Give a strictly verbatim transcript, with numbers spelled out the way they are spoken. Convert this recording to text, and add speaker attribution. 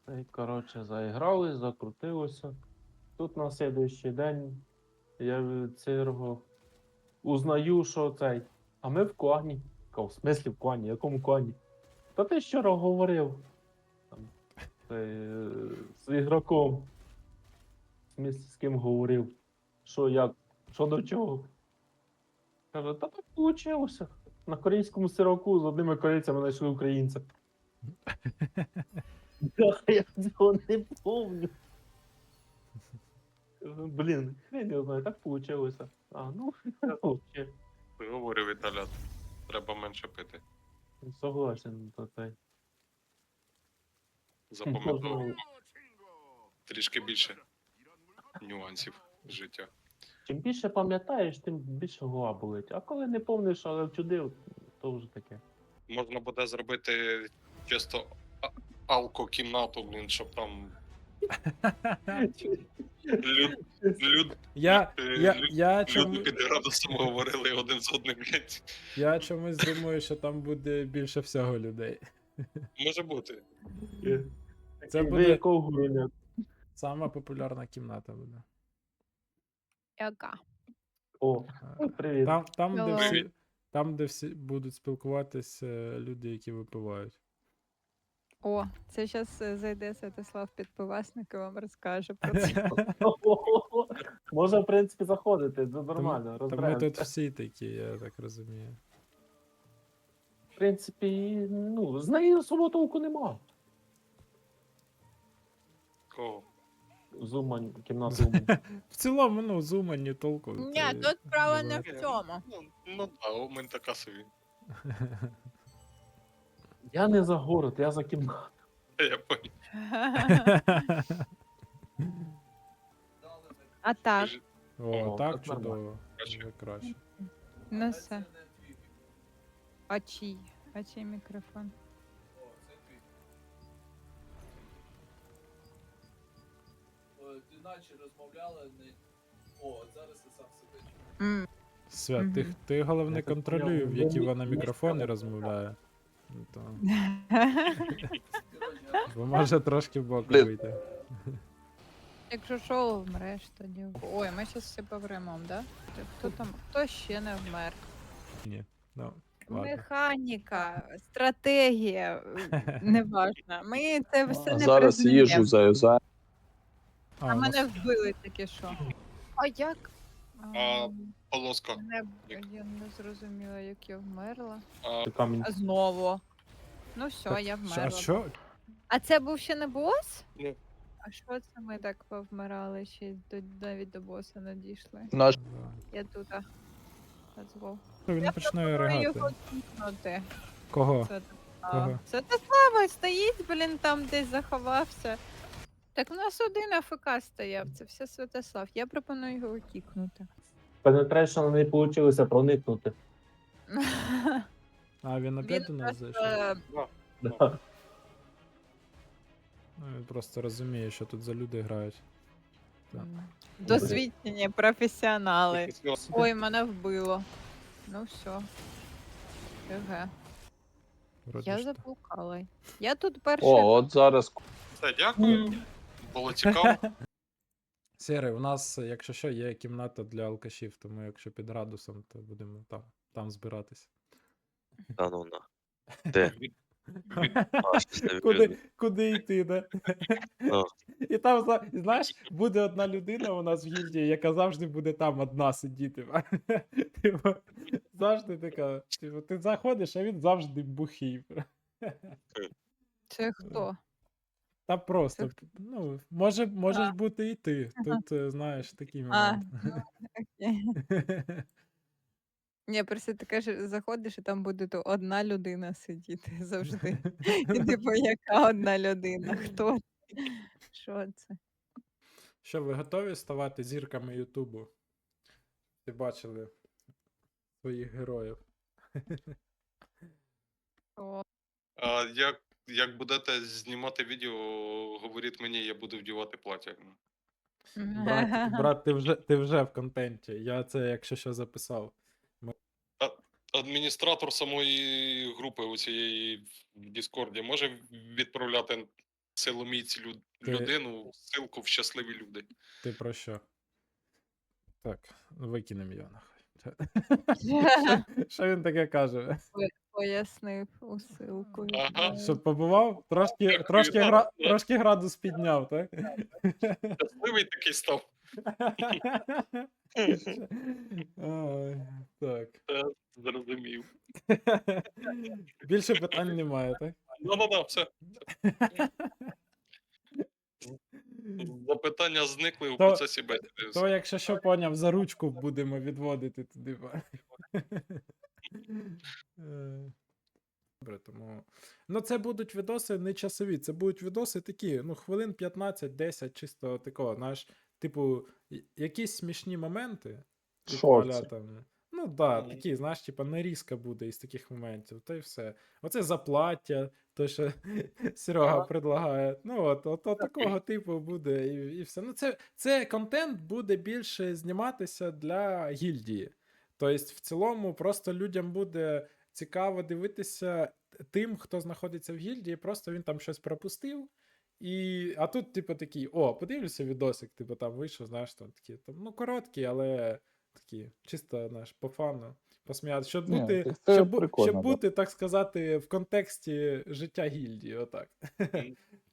Speaker 1: Та й, коротше, заіграли, закрутилося. Тут на слідуючий день я від цього узнаю, що цей. А ми в клані. Кажу, в смислі в клані? Якому клані? Та ти вчора говорив там, цей, е, з ігроком. В смислі, з ким говорив? Що як? Що до чого? Каже, та так вийшло. На корейському сироку з одними корейцями знайшли українця. Я цього не помню. Кажу, блін, хрен я знаю, так вийшло. А, ну, окей.
Speaker 2: Говорю, Віталя, треба менше пити.
Speaker 1: Согласен, то цей.
Speaker 2: Запам'ятовував
Speaker 1: Можна-
Speaker 2: трішки більше нюансів життя.
Speaker 1: Чим більше пам'ятаєш, тим більше голова болить. А коли не помниш, але вчудив, то вже таке.
Speaker 2: Можна буде зробити чисто а- алко-кімнату, блін, щоб там люд, люд,
Speaker 3: Я,
Speaker 2: е,
Speaker 3: я,
Speaker 2: лю-
Speaker 3: я,
Speaker 2: люди
Speaker 3: чому,
Speaker 2: під градусом говорили один з одним, блядь.
Speaker 3: я чомусь думаю, що там буде більше всього людей.
Speaker 2: Може бути.
Speaker 3: Це
Speaker 1: Ви
Speaker 3: буде
Speaker 1: якого гуруня?
Speaker 3: сама популярна кімната буде.
Speaker 4: Яка?
Speaker 1: О,
Speaker 3: Е,
Speaker 1: привіт.
Speaker 3: Там, там, де
Speaker 4: Hello.
Speaker 3: всі, там, де всі будуть спілкуватися люди, які випивають.
Speaker 4: О, це зараз зайде Святослав Підпивасник і вам розкаже про це.
Speaker 1: Може, в принципі, заходити, це нормально,
Speaker 3: Тому тут
Speaker 1: розберемося.
Speaker 3: всі такі, я так розумію.
Speaker 1: В принципі, ну, з неї особо толку нема.
Speaker 2: Кого?
Speaker 1: Зумань, кімната Зумань.
Speaker 3: В цілому, ну, зумані толку.
Speaker 4: Ні,
Speaker 3: та й
Speaker 4: тут справа не
Speaker 3: багато.
Speaker 4: в цьому.
Speaker 2: Ну, ну да, у мене така собі.
Speaker 1: Я не за город, я за кімнату.
Speaker 2: Я понял.
Speaker 4: А так,
Speaker 3: О,
Speaker 1: О,
Speaker 3: так
Speaker 1: так нормально.
Speaker 3: чудово.
Speaker 2: Краще.
Speaker 3: Вже краще.
Speaker 4: ну все. А чий? А чий мікрофон?
Speaker 5: Ти наче розмовляла не. О, от зараз я сам себе чую.
Speaker 4: М,
Speaker 3: Свят, ти,
Speaker 4: Мгм.
Speaker 3: ти головне
Speaker 1: Я так
Speaker 3: контролюй,
Speaker 1: поняв,
Speaker 3: в які
Speaker 1: ви
Speaker 3: вона
Speaker 1: мі-
Speaker 3: мікрофони
Speaker 1: місцеві.
Speaker 3: розмовляє. Ну, то,
Speaker 5: Коротше, а
Speaker 3: бо може трошки в бок
Speaker 6: Блін.
Speaker 3: вийти.
Speaker 4: Якщо що, вмреш тоді. Ой, ми зараз все повремом, да? Хто там? Хто ще не вмер?
Speaker 3: Ну, ладно.
Speaker 4: Механіка, стратегія, неважно. Ми це все не
Speaker 6: Зараз
Speaker 4: признаємо.
Speaker 6: їжу заюзаю.
Speaker 4: А
Speaker 3: А, ну,
Speaker 4: мене вбили таке що. А як?
Speaker 2: А,
Speaker 4: Ам,
Speaker 2: Полоска.
Speaker 4: Не, я не зрозуміла, як я вмерла.
Speaker 2: А,
Speaker 1: Ти камінь.
Speaker 4: А знову. Ну все,
Speaker 3: так,
Speaker 4: я
Speaker 3: що-
Speaker 4: вмерла.
Speaker 3: А що?
Speaker 4: А це був ще не бос?
Speaker 2: Ні.
Speaker 4: А що це ми так повмирали, ще й до, навіть до боса не дійшли?
Speaker 6: Наш
Speaker 4: Я тут. а. Let's go.
Speaker 3: Він
Speaker 4: Я
Speaker 3: почне
Speaker 4: пропоную
Speaker 3: ригати.
Speaker 4: його кікнути.
Speaker 3: Кого?
Speaker 4: Це
Speaker 3: Кого?
Speaker 4: Святослава стоїть, блін, там десь заховався. Так у нас один АФК стояв, це все Святослав. Я пропоную його кікнути.
Speaker 1: Penetration не вийшло проникнути.
Speaker 3: А, він опять до
Speaker 4: Він
Speaker 3: нас
Speaker 4: просто
Speaker 3: зайшов?
Speaker 1: Да.
Speaker 3: Ну, він просто розуміє, що тут за люди грають. Так.
Speaker 4: м, досвідчені професіонали. Ой, мене вбило. Ну все. ГГ.
Speaker 3: Вроді
Speaker 4: Я
Speaker 3: ж та.
Speaker 4: заблукала. Я тут перший.
Speaker 6: О, от зараз
Speaker 2: Все, дякую. Було цікаво.
Speaker 3: Сірий, у нас, якщо що, є кімната для алкашів, тому якщо під градусом, то будемо там, там збиратись.
Speaker 7: Та ну на. Де? А, щось не
Speaker 3: Куди,
Speaker 7: видно.
Speaker 3: куди йти, да?
Speaker 7: Ну.
Speaker 3: І там, зна- знаєш, буде одна людина у нас в гільдії, яка завжди буде там одна сидіти. Типу, завжди така. Типу, ти заходиш, а він завжди бухий.
Speaker 4: Це хто?
Speaker 3: Та просто, ну, може, можеш бути і ти. Тут, е, знаєш, такий
Speaker 4: А,
Speaker 3: момент.
Speaker 4: ну, окей. Ні, просто ти кажеш, заходиш, і там буде то одна людина сидіти завжди. І типу, яка одна людина? Хто? це? Що це?
Speaker 3: Що, ви готові ставати зірками Ютубу? Ти бачили своїх героїв.
Speaker 4: О,
Speaker 2: А, як, як будете знімати відео, говоріть мені, я буду вдівати плаття.
Speaker 3: Брат, брат, ти вже, ти вже в контенті. Я це, якщо що, записав.
Speaker 2: Адміністратор самої групи у цієї в Діскорді може відправляти силоміць люд...
Speaker 3: Ти-
Speaker 2: людину, ссылку в щасливі люди.
Speaker 3: Ти про що? Так, викинемо його нахуй. Що він таке каже?
Speaker 4: Пояснив усилку.
Speaker 2: Ага.
Speaker 3: Щоб побував? Трошки,
Speaker 2: Дякую,
Speaker 3: трошки,
Speaker 2: да,
Speaker 3: гра...
Speaker 2: да.
Speaker 3: трошки градус підняв, так?
Speaker 2: Щасливий такий став.
Speaker 3: Ой, так.
Speaker 2: Е, Зрозумів.
Speaker 3: Більше питань немає, так?
Speaker 2: Ну-ну-ну, все. Запитання зникли у
Speaker 3: То-
Speaker 2: процесі бесіди.
Speaker 3: То, якщо що поняв, за ручку будемо відводити туди. ба. Е, Добре, тому. Ну, це будуть відоси не часові, це будуть відоси такі, ну, хвилин п'ятнадцять-десять, чисто такого, знаєш, типу, y- якісь смішні моменти. типу,
Speaker 1: Шорти.
Speaker 3: аля там. Ну, да,
Speaker 2: Мгм.
Speaker 3: такі, знаєш, типа нарізка буде із таких моментів, то й все. Оце заплаття, то, що Серега предлагає. Ну, от, от, от такого типу буде, і, і все. Ну, це, це контент буде більше зніматися для гільдії. Тобто, в цілому, просто людям буде цікаво дивитися тим, хто знаходиться в гільдії, просто він там щось пропустив. І, а тут, типу, такий, о, подивлюся відосик, типу, там вийшов, знаєш, там такі, там, ну, короткі, але такі, чисто, знаєш, по фану, посміяти. Щоб
Speaker 1: Ні,
Speaker 3: бути,
Speaker 1: так це
Speaker 3: щоб, бу-
Speaker 1: прикольно,
Speaker 3: щоб
Speaker 1: да.
Speaker 3: бути, так сказати, в контексті життя гільдії, отак.
Speaker 2: Мгм.